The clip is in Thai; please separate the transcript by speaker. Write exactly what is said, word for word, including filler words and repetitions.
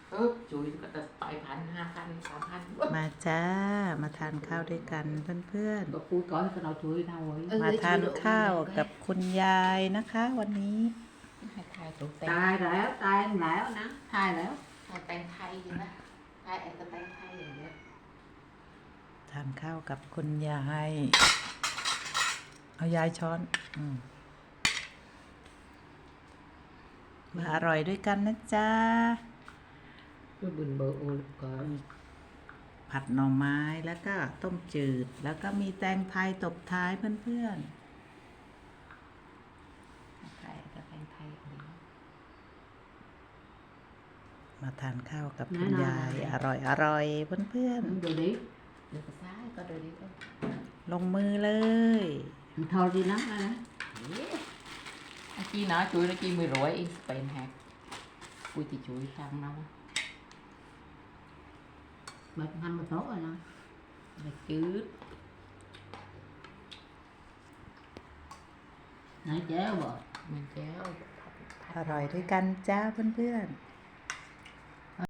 Speaker 1: เออจุ๋ยก็จะไปพันห้าพันสามพัน
Speaker 2: มาจ้ามาทานข้าวด้วยกันเพื่อน
Speaker 3: ก็พูดก่อนก็เราช่วยเราไว้
Speaker 2: ๆมาทานข้าวกับคุณยายนะคะ วันนี้
Speaker 1: ให้ทายถูกแต่
Speaker 3: ตายแล้วตายแล้วนะตายแล้ว
Speaker 1: ทายแต่งไทยอยู่นะทายแอบแต่งไทยอย่างเดียว
Speaker 2: ทานข้าวกับคุณยายเอายายช้อนอมมาอร่อยด้วยกันนะจ๊ะ
Speaker 3: ก็บุญเบอร์โอลก่อน
Speaker 2: ผัดหน่อไม้แล้วก็ต้มจืด แล้วก็มีแตงไทยตบท้ายเพื่อน
Speaker 1: ไทยแต่แต่งไทยอย่างเดียว
Speaker 2: ๆมาทานข้าวกับคุณยายอร่อยอร่อยเพื่อน
Speaker 3: เดี๋ยวนี้
Speaker 1: เดี๋ยวก็ซ้ายก็เดี๋ยวนี้ก็
Speaker 2: ๆลงมือเลย
Speaker 3: มันทอดีนักนะ
Speaker 1: ไอ้จีnói chuối nó chi mười rưỡi in Spain hạt cùi thì chuối sang đâu
Speaker 3: แบบทำมาโต๊ะนะ
Speaker 1: là chứ
Speaker 3: ไหนแจ้วบ่
Speaker 1: mình chéo
Speaker 2: อร่อยด้วยกันจ้าเพื่อนๆ